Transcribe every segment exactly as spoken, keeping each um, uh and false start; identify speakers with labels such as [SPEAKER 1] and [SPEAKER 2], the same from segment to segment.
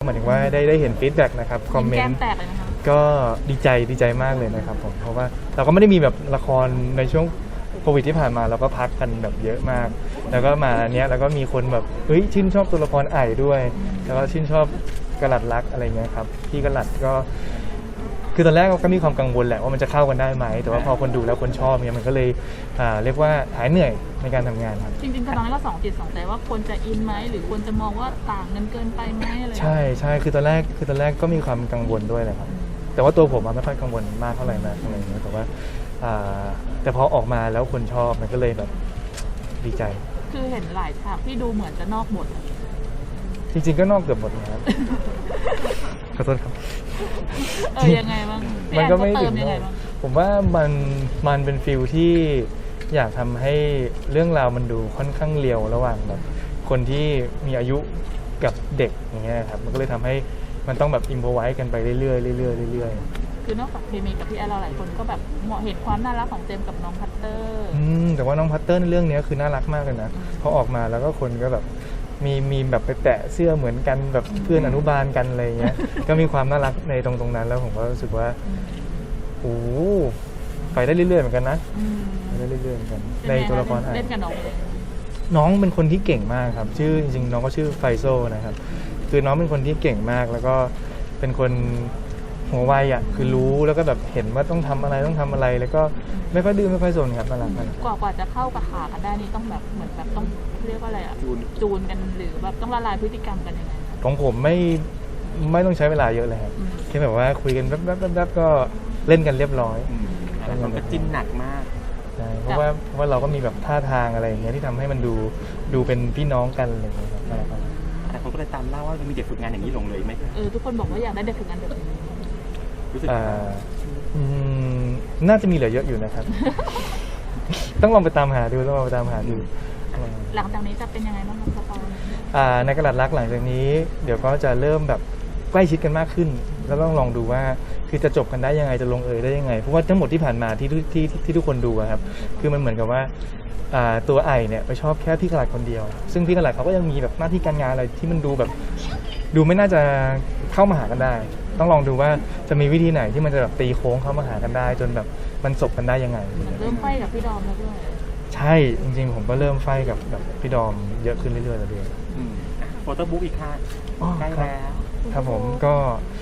[SPEAKER 1] มายถึงว่าได้ได้เห็นฟีดแบ็กนะครับคอมเมน
[SPEAKER 2] แก้ม
[SPEAKER 1] ต์
[SPEAKER 2] แตกเลยนะคะ
[SPEAKER 1] ก็ดีใจดีใจมากเลยนะครับผมเพราะว่าเราก็ไม่ได้มีแบบละครในช่วงโควิดที่ผ่านมาเราก็พักกันแบบเยอะมาก แล้วก็มาเนี้ยแล้วก็มีคนแบบเฮ้ยชื่นชอบตัวละครไอ่ด้วย แล้วก็ชื่นชอบกระหลัดรักอะไรเงี้ยครับพี่กระหลัดก็คือตอนแรกก็มีความกังวลแหละว่ามันจะเข้ากันได้ไหมแต่ว่าพอคนดูแล้วคนชอบเนี่ยมันก็เลยอ่าเรียกว่าหายเหนื่อยในการทำงานครับ
[SPEAKER 2] จริงๆตอนนั้นก็สองจิตสองใจว่าควรจะอินไหมหรือควรจะมองว่าต่างเงินเกินไปไหมอะไร
[SPEAKER 1] ใช่ใช่คือตอนแรกคือตอนแรกก็มีความกังวลด้วยแหละครับแต่ว่าตัวผมไม่ค่อยกังวลมากเท่าไหร่นะอะไรอย่างเงี้ยแต่ว่าแต่พอออกมาแล้วคนชอบมันก็เลยแบบดีใจ
[SPEAKER 2] คือเห็นหลายฉากที่ดูเหมือนจะนอกบท
[SPEAKER 1] จริงๆก็นอกเกือบหมดนะครับขอโทษครับ
[SPEAKER 2] เออยังไงบ้าง
[SPEAKER 1] มันก็ไม่ถึง
[SPEAKER 2] ยังไงบ้าง
[SPEAKER 1] ผมว่ามันมันเป็นฟิลที่อยากทำให้เรื่องราวมันดูค่อนข้างเรียวระหว่างแบบคนที่มีอายุกับเด็กอย่างเงี้ยครับมันก็เลยทำให้มันต้องแบบอิมพอไว้กันไปเรื่อยๆเรื่อยๆเรื่อย
[SPEAKER 2] ๆคือนอกจากเคมีกับพี่แอลเราหลายคนก็แบบเหมาะเห็นความน่ารักของเจมกับน้องพัตเตอร์
[SPEAKER 1] อืมแต่ว่าน้องพัตเตอร์ในเรื่องนี้คือน่ารักมากเลยนะพอออกมาแล้วก็คนก็แบบมีมีแบบไปแตะเสื้อเหมือนกันแบบเพื่อนอนุบาลกันอะไรเงี้ยก็มีความน่ารักในตรงตรงนั้นแล้วผมก็รู้สึกว่าโอ้ไปได้เรื่อยๆเหมือนกันนะไปได้เรื่อยๆเหมือนกันในตัวละคร
[SPEAKER 2] เล่นกับน้อง
[SPEAKER 1] น้องเป็นคนที่เก่งมากครับชื่อจริงๆน้องก็ชื่อไฟโซนะครับคือน้องเป็นคนที่เก่งมากแล้วก็เป็นคนหัวไวอ่ะคือรู้แล้วก็แบบเห็นว่าต้องทำอะไรต้องทำอะไรแล้วก็ไม่ค่อยดื้อไม่ค่อยสนครับน่ารักมาก
[SPEAKER 2] กว่ากว่าจะเข้ากับขากันได้นี่ต้องแบบเหมือนแบบต้องเรียกว่าอะไรอ่ะจูนจูนกันหรือแบบต้องละลายพฤติกรรมกันยังไง
[SPEAKER 1] ของผมไม่ไม่ต้องใช้เวลาเยอะเลยครับแค่แบบว่าคุยกันแป๊บๆๆก็เล่นกันเรียบร้อย
[SPEAKER 3] แต่มันก็จิ้นหนักมาก
[SPEAKER 1] ใช่เพราะว่าเพราะว่าเราก็มีแบบท่าทางอะไรอย่างเงี้ยที่ทำให้มันดูดูเป็นพี่น้องกันอะไรอย่างเงี้ยครับ
[SPEAKER 3] แต่คนก็เลยตามเล่าว่ามีเด็กฝึกงานอย่างนี้ลงเลยไหม
[SPEAKER 2] เออทุกคนบอกว่าอยากได้เด็กฝึกงานแบบนี้
[SPEAKER 3] รู้สึก
[SPEAKER 1] น่าจะมีเหลือเยอะอยู่นะครับ ต้องลองไปตามหาดูต้องลองไปตามหาดู
[SPEAKER 2] หลังจากนี้จะเป็นยังไงบ้างครับต
[SPEAKER 1] อนในกระดาษรักหลังจากนี้เดี๋ยวก็จะเริ่มแบบใกล้ชิดกันมากขึ้นแล้วต้องลองดูว่าคือจะจบกันได้ยังไงจะลงเอยได้ยังไงเพราะว่าทั้งหมดที่ผ่านมาที่ที่ที่ทุกคนดูครับคือมันเหมือนกับว่าตัวไอเนี่ยไปชอบแค่พี่กระดาษคนเดียวซึ่งพี่กระดาษเขาก็ยังมีแบบหน้าที่การงานอะไรที่มันดูแบบดูไม่น่าจะเข้ามาหากันได้ต้องลองดูว่าจะมีวิธีไหนที่มันจะแบบตีโค้งเข้ามาหากันได้จนแบบมันจบกันได้ยังไง
[SPEAKER 2] เริ่มไฟกับพี่ดอมแล้วด้วย
[SPEAKER 1] ใช่จริงๆผมก็เริ่มไฟกับแบบพี่ดอมเยอะขึ้นเรื่อยๆแล้วด้วย
[SPEAKER 3] โฟโต้บุ๊กอีกค่ะใกล้แล้ว
[SPEAKER 1] ครับผมก็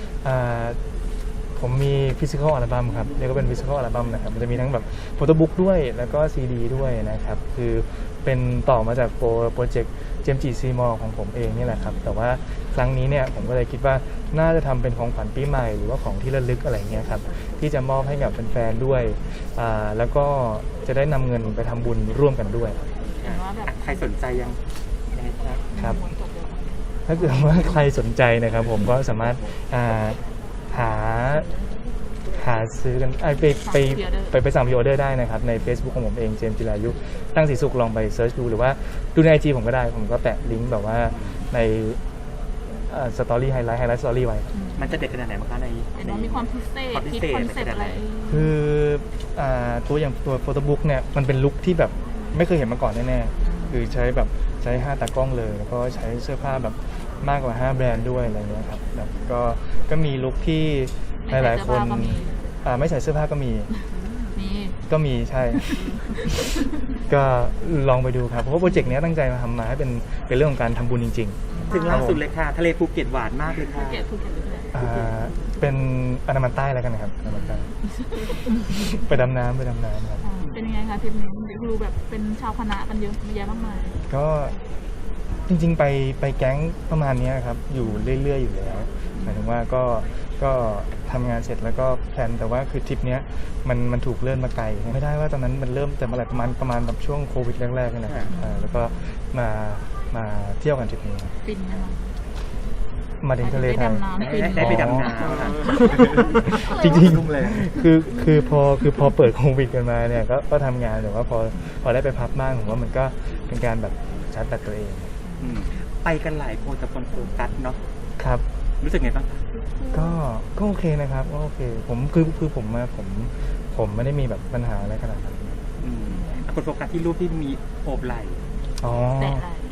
[SPEAKER 1] ผมมีฟิสิกอลอัลบั้มครับเรียกว่าเป็นฟิสิกอลอัลบั้มนะครับมันจะมีทั้งแบบโฟโต้บุ๊กด้วยแล้วก็ซีดีด้วยนะครับคือเป็นต่อมาจากโปรเจกต์เจมจีซีมอของผมเองนี่แหละครับแต่ว่าครั้งนี้เนี่ยผมก็เลยคิดว่าน่าจะทำเป็นของขวัญปีใหม่หรือว่าของที่ระลึกอะไรเงี้ยครับที่จะมอบให้กับแฟนๆด้วยแล้วก็จะได้นำเงินไปทำบุญร่วมกันด้วย
[SPEAKER 3] ใครสนใจยัง
[SPEAKER 1] ครับถ้าเกิดว่าใครสนใจนะครับผมก็สามารถหาหาซื้อกันไปไปไปไปสั่งพรีออเดอร์ได้นะครับใน Facebook ของผมเองเจมส์จิรายุตั้งสีสุขลองไปเซิร์ชดูหรือว่าดูใน ไอ จี ผมก็ได้ผมก็แปะลิงก์แบบว่าในสตอรี่ไฮไลท์ไฮไลท์สตอรี่ไว้
[SPEAKER 3] มันจะเด็ดขนาดไหนบ้างคะใน
[SPEAKER 2] ในมีความพิเศษคิดคอนเซ็ปต์อะไร
[SPEAKER 1] คือตัวอย่างตัวโฟโต้บุ๊กเนี่ยมันเป็นลุคที่แบบไม่เคยเห็นมาก่อนแน่ๆคือใช้แบบใช้ห้าตากล้องเลยแล้วก็ใช้เสื้อผ้าแบบมากกว่าห้าแบรนด์ด้วยอะไรเงี้ยครับแบบก็ก็มีลุคที่หลายๆคนไม่ใส่เสื้อผ้าก็มีก็มีใช่ ก็ลองไปดูครับเพราะว่าโปรเจกต์นี้ตั้งใจมาทำมาให้เป็นเป็นเรื่องของการทำบุญจริง
[SPEAKER 3] ๆถึงล่าสุดเลยค่ะทะเลภูเก็ตหวานมากเลยค่ะ
[SPEAKER 1] เป็นอันดามันใต้แล้วกันนะครับอันดามันใต้ไปดำน้ำไปดำน้ำครับ
[SPEAKER 2] เป็นยังไงคะทริปนี้ดูแบบเป็นชาวคณะกันเยอะแยะมากมาย
[SPEAKER 1] ก็จริงๆไปไปแก๊งประมาณนี้ครับอยู่เรื่อยๆอยู่แล้วหมายถึงว่าก็ก็ทำงานเสร็จแล้วก็แพลนแต่ว่าคือทริปนี้มันมันถูกเลื่อนมาไกลไม่ได้ว่าตอนนั้นมันเริ่มแต่เมื่อไหร่ประมาณประมาณแบบช่วงโควิดแรกๆนะครับแล้วก็มามาเที่ยวกันทริปนี้
[SPEAKER 2] ฟินนะคะ
[SPEAKER 1] มาถึงทะเลไทย
[SPEAKER 3] ได้ไปดำน้
[SPEAKER 1] ำจริงๆเลยคือคือพอคือพอเปิดโควิดกันมาเนี่ยก็ก็ทำงานแต่ว่าพอพอได้ไปพักบ้างผมว่ามันก็เป็นการแบบชาร์จแบตตัวเอง
[SPEAKER 3] ไปกันหลายคนแต่คนโฟกัสเนาะ
[SPEAKER 1] ครับ
[SPEAKER 3] รู้สึกไงบ้าง
[SPEAKER 1] ก็ก็โอเคนะครับก็โอเคผมคือคือผมมาผมผมไม่ได้มีแบบปัญหาอะไรขนาดนั้น
[SPEAKER 3] คนโฟกัสที่รูปที่มีโอบไหล่
[SPEAKER 1] อ๋อแ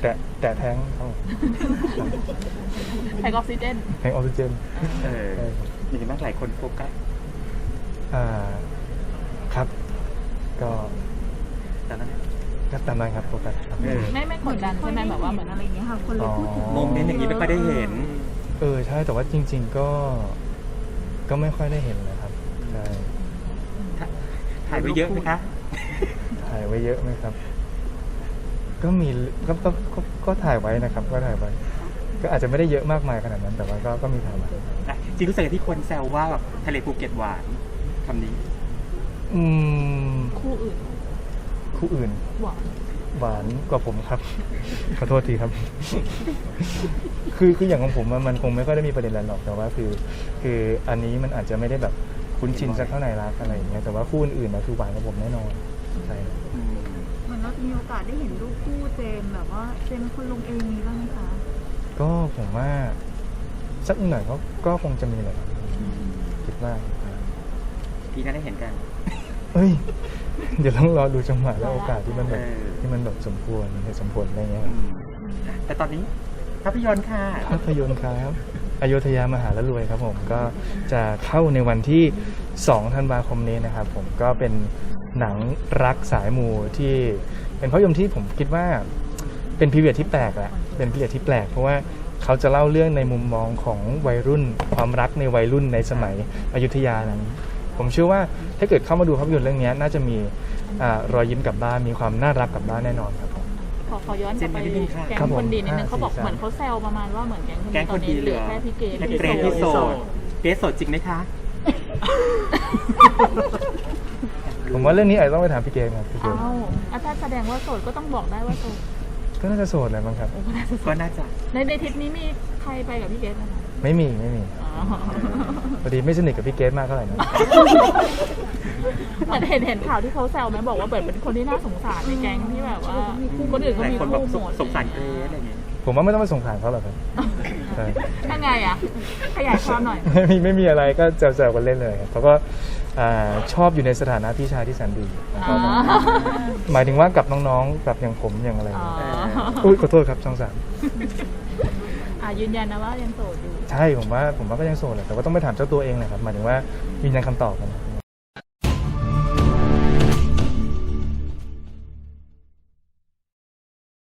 [SPEAKER 1] แตะแตะแท้งครับผม
[SPEAKER 2] แทงออกซิเจน
[SPEAKER 1] แท้งออกซิเจน
[SPEAKER 3] เออ
[SPEAKER 1] ใช่ครับ
[SPEAKER 3] อย่างนี้บ้างหลายคนโฟกัส
[SPEAKER 1] อ่าครับ ก็
[SPEAKER 3] แต่นั้น
[SPEAKER 1] ก็ตามนั้นครับโฟกัสครับ
[SPEAKER 3] เออ
[SPEAKER 2] ไม่ไม่กดดันใช่ไหมแบบว่าเหมือน
[SPEAKER 4] อะไรอย่างเงี้ยค่ะ คนเลยพูดถึง
[SPEAKER 3] โมเมนต์อย่างนี้ไม่ค่อยได้เห็น
[SPEAKER 1] เออใช่แต่ว่าจริง ๆ ก็ ก็ไม่ค่อยได้เห็นนะครับใช่
[SPEAKER 3] ถ่ายไว้เยอะไหมคะ
[SPEAKER 1] ถ่ายไว้เยอะไหมครับ ก็มีก็ก็ก็ก็ถ่ายไว้นะครับ ก็ถ่ายไว้ ก็อาจจะไม่ได้เยอะมากมายขนาดนั้น แต่ว่าก็ก็มีถ่ายไว้
[SPEAKER 3] อ่ะจริงรู้สึกที่คนแซวว่าแบบทะเลภูเก็ตหวานคำนี้
[SPEAKER 1] อืม
[SPEAKER 2] คู่อื่น
[SPEAKER 1] คู่อื่น
[SPEAKER 2] หวาน
[SPEAKER 1] หวานกว่าผมครับ ขอโทษทีครับ คือคืออย่างของผมอะมันคงไม่ค่อยได้มีประเด็นอะไรหรอกแต่ว่าคือ คืออันนี้มันอาจจะไม่ได้แบบคุ้นชินสักเท่าไหร่รักอะไรอย่างเงี้ยแต่ว่าคู่อื่นๆนะคือหวานกว่าผมแน่นอนใช่
[SPEAKER 3] อืม
[SPEAKER 4] เหมือนเราจะมีโอกาสได้เห็นรูปคู่เจมส์แบบว่าเจมส์เป็นคนลงเองมีบ้างไหมคะ
[SPEAKER 1] ก็ผมว่าสักหน่อยก็ก็คงจะมีแหละครับคิดว่า
[SPEAKER 3] พี่น่าได้เห็นกัน
[SPEAKER 1] เอ้ย เดี๋ยวต้องรอดูจังหวะและโอกาสที่มันแบบ
[SPEAKER 3] เออ
[SPEAKER 1] ที่มันแบบสมควรเหตุสมผลอะไรเงี้ยครับ
[SPEAKER 3] อืมแต่ตอนนี้ภาพยนตร์ค่ะ
[SPEAKER 1] ภาพยนตร์ครับอโยธยามหาละรวยครับผมก็จะเข้าในวันที่สองธันวาคมนี้นะครับผมก็เป็นหนังรักสายมูที่เป็นภาพยนตร์ที่ผมคิดว่าเป็นพีเรียดที่แปลกแหละเป็นพีเรียดที่แปลกเพราะว่าเขาจะเล่าเรื่องในมุมมองของวัยรุ่น ความรักในวัยรุ่นในสมัยอยุธยานั้นผมเชื่อว่าถ้าเกิดเข้ามาดูภาพยนตร์เรื่องนี้น่าจะมีอ่ารอยยิ้มกลับบ้านมีความน่ารักกลับบ้านแน่นอนครับผม
[SPEAKER 2] ขอขอย้อนกลับไป
[SPEAKER 3] เจนนี่นิดนึงค่ะ
[SPEAKER 2] แก๊ง
[SPEAKER 1] ครับผม
[SPEAKER 2] คนดีนิดนึงเขาบอก
[SPEAKER 1] ห้าสี่สาม
[SPEAKER 2] เหมือนเขาแซวประมาณว่าเหมือนแก๊งคน
[SPEAKER 3] แก๊
[SPEAKER 2] ดี
[SPEAKER 3] ง
[SPEAKER 2] ต
[SPEAKER 3] ค
[SPEAKER 2] อน
[SPEAKER 3] น
[SPEAKER 2] นี้
[SPEAKER 3] ดี
[SPEAKER 2] เห
[SPEAKER 3] เห
[SPEAKER 2] ลื
[SPEAKER 3] ลื
[SPEAKER 2] อ
[SPEAKER 3] อ
[SPEAKER 2] แค่พี่เกด
[SPEAKER 3] และเกรซที่โสดเกรซโสดจริงไหมคะ
[SPEAKER 1] ผมว่าเรื่องนี้อาจจะต้องไปถามพี่เกมครับพี่เก
[SPEAKER 2] เอ้าม อ่ะถ้าแสดงว่าโสดก็ต้องบอกได้ว่าโสด
[SPEAKER 1] ก็น่าจะโสดแหละมั้งครับ
[SPEAKER 2] โอ้ก็น่าจะโส
[SPEAKER 3] ก็
[SPEAKER 2] ด
[SPEAKER 3] น่าจะ
[SPEAKER 2] ในในทริปนี้มีใครไปกับพี่เกดไหมคะ
[SPEAKER 1] ไม่มีไม่มี
[SPEAKER 2] อ๋อ
[SPEAKER 1] พอดีไม่สนิทกับพี่เกมมากเท่าไหร่นะ
[SPEAKER 2] เหมือนเห็นเห็นข่าวที่เขาแซวไหมบอกว่าเปิดเป็นคนที่น่าสงสารในแก๊งที่แบบว่าคนอื่น
[SPEAKER 3] ห
[SPEAKER 2] เขา
[SPEAKER 3] ลาย
[SPEAKER 2] มี
[SPEAKER 3] คนแบบ
[SPEAKER 2] คู่
[SPEAKER 3] ส
[SPEAKER 2] ห
[SPEAKER 3] ง
[SPEAKER 2] มด
[SPEAKER 3] สงสารเกรซอะไรอย่างเงี้ย
[SPEAKER 1] ผมว่าไม่ต้องไปสงสารเขาหรอกครับใช่
[SPEAKER 2] ยังไงอ่ะขยายความหน่อย
[SPEAKER 1] ไม่มีไม่มีอะไรก็แซวๆกันเล่นเลยครับเขาก็อ่าชอบอยู่ในสถานะพี่ชายที่แสนดีของเขาครับ
[SPEAKER 2] อ๋อ
[SPEAKER 1] หมายถึงว่ากับน้องๆกับอย่างผมอย่างอะไร
[SPEAKER 2] อ๋อ
[SPEAKER 1] อุ้ยขอโทษครับช่องสาม
[SPEAKER 2] อ่ะยืนยันนะว่ายังโสดอยู่
[SPEAKER 1] ใช่ผมว่าผมว่าก็ยังโสดแหละแต่ว่าต้องไปถามเจ้าตัวเองแหละครับหมายถึงว่ายืนยันคำตอบกันนะ